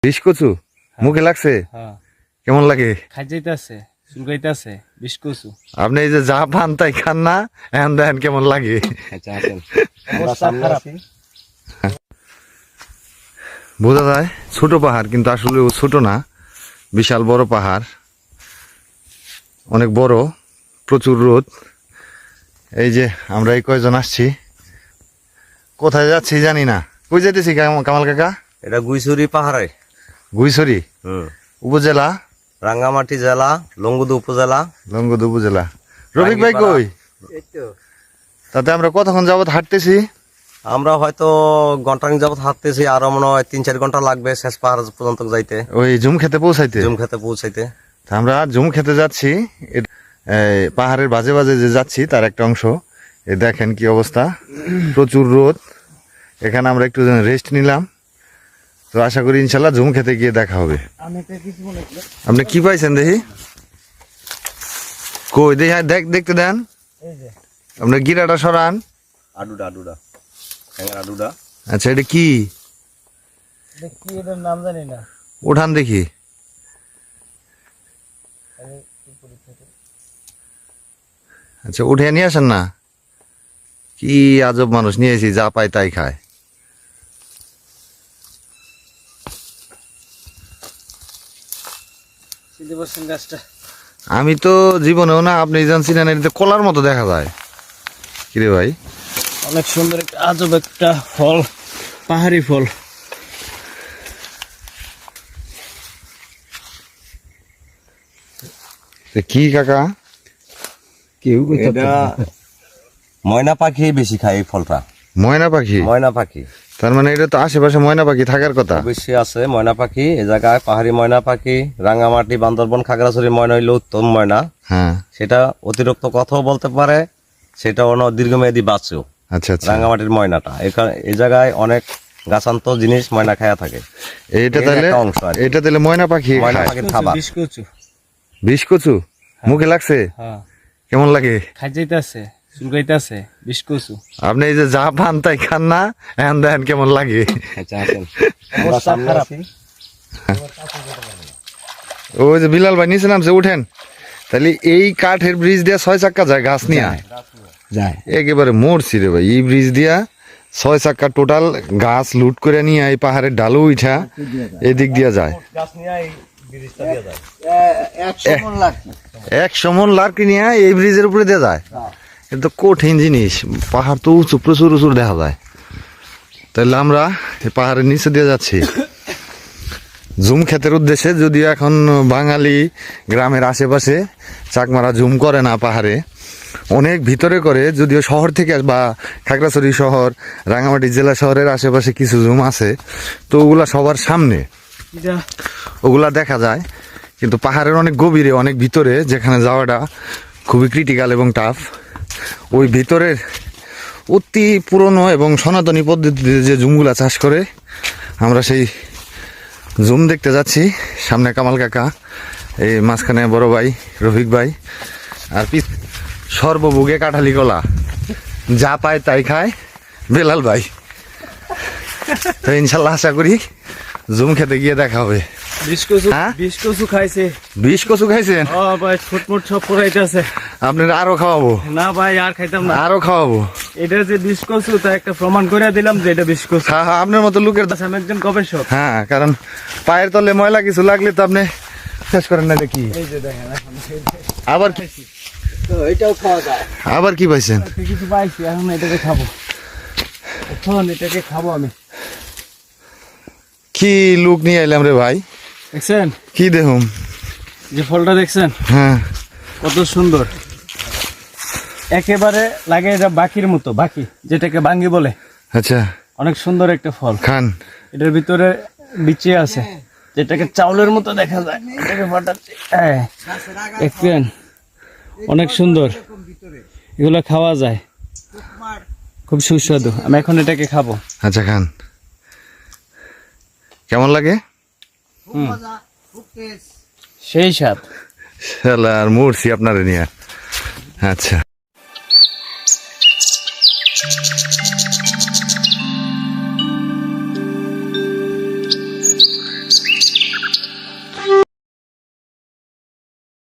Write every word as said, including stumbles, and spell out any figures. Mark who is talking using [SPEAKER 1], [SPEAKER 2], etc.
[SPEAKER 1] বিষ কচু মুখে লাগছে?
[SPEAKER 2] হ্যাঁ।
[SPEAKER 1] কেমন লাগে?
[SPEAKER 2] খাই যাইতেছে, চুলকাইতেছে বিষ কচু।
[SPEAKER 1] আপনি এই যে যা পান তাই খান না, এখন দেখেন কেমন লাগে। বোঝা যায় ছোট পাহাড়, কিন্তু আসলে ও ছোট না, বিশাল বড় পাহাড়, অনেক বড়, প্রচুর রোদ। এই যে আমরা এই কয়জন আসছি, কোথায় যাচ্ছি জানি না। কই যাইতেছি কামাল কাকা?
[SPEAKER 3] এটা গুইছড়ি পাহাড়ে,
[SPEAKER 1] গুইছড়ি উপজেলা,
[SPEAKER 3] রাঙ্গামাটি জেলা, লংগদু উপজেলা।
[SPEAKER 1] লংগদু উপজেলা। রফিক ভাই কই? তাতে আমরা কতক্ষণ যাবত হাঁটতেছি?
[SPEAKER 3] আমরা হয়তো ঘন্টাখানেক যাবত হাঁটতেছি, আরো মনে হয় তিন চার ঘন্টা লাগবে শেষ পাহাড় পর্যন্ত যাইতে,
[SPEAKER 1] ওই জুম খেতে পৌঁছাইতে।
[SPEAKER 3] জুম খেতে পৌঁছাইতে
[SPEAKER 1] তা আমরা জুম খেতে যাচ্ছি। পাহাড়ের বাজে বাজে যে যাচ্ছি তার একটা অংশ। এ দেখেন কি অবস্থা, প্রচুর রোদ। এখানে আমরা একটু রেস্ট নিলাম, তো আশা করি ইনশাল্লাহ জুম খেতে গিয়ে দেখা হবে। আপনি কি পাইছেন দেখি? কই দেখি, দেখ দেখতে দেন। আপনার গিরাটা সরান।
[SPEAKER 3] আডুডা আডুডা আডুডা।
[SPEAKER 1] আচ্ছা, এটা কি?
[SPEAKER 2] নাম জানি না।
[SPEAKER 1] উঠান দেখি। আচ্ছা, উঠে নিয়ে আসেন না। কি আজব মানুষ, নিয়েছি যা পায় তাই খায়। আমি তো জীবনেও না, আপনি জানছিলেন এটা কলার মতো দেখা যায়। কিরে ভাই,
[SPEAKER 2] অনেক সুন্দর একটা আজব একটা ফল, পাহাড়ি ফল।
[SPEAKER 1] কি কাকা?
[SPEAKER 2] কেউ
[SPEAKER 3] এটা ময়না পাখি বেশি খায় এই ফলটা।
[SPEAKER 1] ময়না পাখি?
[SPEAKER 3] ময়না পাখি।
[SPEAKER 1] তার মানে এটা তো আশেপাশে ময়না পাখি থাকার কথা।
[SPEAKER 3] বেশি আছে ময়না পাখি এ জায়গায়, পাহাড়ি ময়না পাখি। রাঙ্গামাটি, বান্দরবন, খাগড়াছড়ি ময়না হইলো উত্তম ময়না।
[SPEAKER 1] হ্যাঁ,
[SPEAKER 3] সেটা অতিরিক্ত কথাও বলতে পারে, সেটা অন্য দীর্ঘমেয়াদী বাঁচেও।
[SPEAKER 1] আচ্ছা আচ্ছা।
[SPEAKER 3] রাঙ্গামাটির ময়নাটা এখানে এই জায়গায় অনেক গাছান্ত জিনিস ময়না খায়া থাকে।
[SPEAKER 1] এটা তাহলে এটা তাহলে ময়না পাখি
[SPEAKER 3] ময়না
[SPEAKER 1] খায়।
[SPEAKER 3] পাখির খাবার।
[SPEAKER 2] বিষ কচু।
[SPEAKER 1] বিষ কচু মুখে লাগছে?
[SPEAKER 2] হ্যাঁ।
[SPEAKER 1] কেমন লাগে?
[SPEAKER 2] খাই যাইতেছে, চুলকাইতেছে বিষ কচু।
[SPEAKER 1] আপনি এই যে যা পান তাই খান না, এখন দেখেন কেমন লাগে।
[SPEAKER 2] অবস্থা খারাপ।
[SPEAKER 1] ওই যে বিলাল ভাই নিচে নামছে, উঠেন। তাহলে এই কাঠের ব্রিজ দিয়া ছয় চাক্কা যায় গাছ নিয়ে
[SPEAKER 2] যায়।
[SPEAKER 1] একেবারে মরছি রে ভাই। এই ব্রিজ দিয়া ছয় চাক্কা টোটাল গাছ লুট করে নিয়ে এই পাহাড়ের ডালু উঠা এদিক দিয়া যায়। একশো মন লার্কি নিয়ে এই ব্রিজের উপরে দিয়ে যায়। এটা তো কঠিন জিনিস, পাহাড় তো উঁচু, প্রচুর উঁচু দেখা যায়। তাহলে আমরা এই পাহাড়ের নিচে দিয়ে যাচ্ছি জুম ক্ষেতের উদ্দেশ্যে। যদিও এখন বাঙালি গ্রামের আশেপাশে চাকমারা জুম করে না, পাহাড়ে অনেক ভিতরে করে। যদিও শহর থেকে বা খাগড়াছড়ি শহর, রাঙামাটি জেলা শহরের আশেপাশে কিছু জুম আছে, তো ওগুলা সবার সামনে ওগুলা দেখা যায়। কিন্তু পাহাড়ের অনেক গভীরে, অনেক ভিতরে, যেখানে যাওয়াটা খুবই ক্রিটিক্যাল এবং টাফ, ওই ভিতরের অতি পুরনো এবং সনাতনী পদ্ধতিতে যে জুমগুলা চাষ করে, আমরা সেই জুম দেখতে যাচ্ছি। সামনে কামাল কাকা, এই মাঝখানে বড় ভাই রফিক ভাই, আর সর্বভোগে কাঁঠালি কলা, যা পায় তাই খায় বেলাল ভাই। তো ইনশাল্লাহ আশা করি জুম খেতে গিয়ে দেখা হবে।
[SPEAKER 2] বিষ কচু,
[SPEAKER 1] হ্যাঁ?
[SPEAKER 2] বিষ কচু খাইছে।
[SPEAKER 1] বিষ কচু খাইছেন?
[SPEAKER 2] ও ভাই, ফুটফুট সব পড়াইতেছে।
[SPEAKER 1] আপনার আরো খাওয়াবো?
[SPEAKER 2] না ভাই, আর খাইতাম না।
[SPEAKER 1] আরো খাওয়াবো।
[SPEAKER 2] এটা যে বিষ কচু, তা একটা প্রমাণ করে দিলাম যে এটা বিষ কচু।
[SPEAKER 1] হ্যাঁ হ্যাঁ, আপনার মতো লোকের।
[SPEAKER 2] আমি একজন গবেষক।
[SPEAKER 1] হ্যাঁ, কারণ পায়ের তলে ময়লা কিছু লাগলে তো আপনি শেষ করেন না দেখি।
[SPEAKER 2] এই যে দেখেন, এখন
[SPEAKER 1] আবার
[SPEAKER 2] তো এটাও খাওয়া যায়।
[SPEAKER 1] আবার কি পাইছেন?
[SPEAKER 2] কিছু পাইছি, এখন এটাকে খাবো। এখন এটাকে খাবো আমি।
[SPEAKER 1] কি লুক নিয়ে এলাম রে ভাই,
[SPEAKER 2] দেখছেন
[SPEAKER 1] কি দেখুন?
[SPEAKER 2] যে ফলটা দেখছেন?
[SPEAKER 1] হ্যাঁ,
[SPEAKER 2] কত সুন্দর, একেবারে লাগে এটা বাকির মতো, বাকি যেটাকে বাঙ্গি বলে।
[SPEAKER 1] আচ্ছা,
[SPEAKER 2] অনেক সুন্দর একটা ফল।
[SPEAKER 1] খান।
[SPEAKER 2] এটার ভিতরে বিচি আছে, যেটাকে চাউলের মতো দেখা যায়। এটাকে ফাটাচ্ছি, দেখছেন? অনেক সুন্দর, এগুলো খাওয়া যায়, খুব সুস্বাদু। আমি এখন এটাকে খাবো।
[SPEAKER 1] আচ্ছা, খান। কেমন লাগে?
[SPEAKER 2] সেই স্বাদ।
[SPEAKER 1] শালা আর মরছি আপনারে নিয়ে। আচ্ছা, ধন্যবাদ।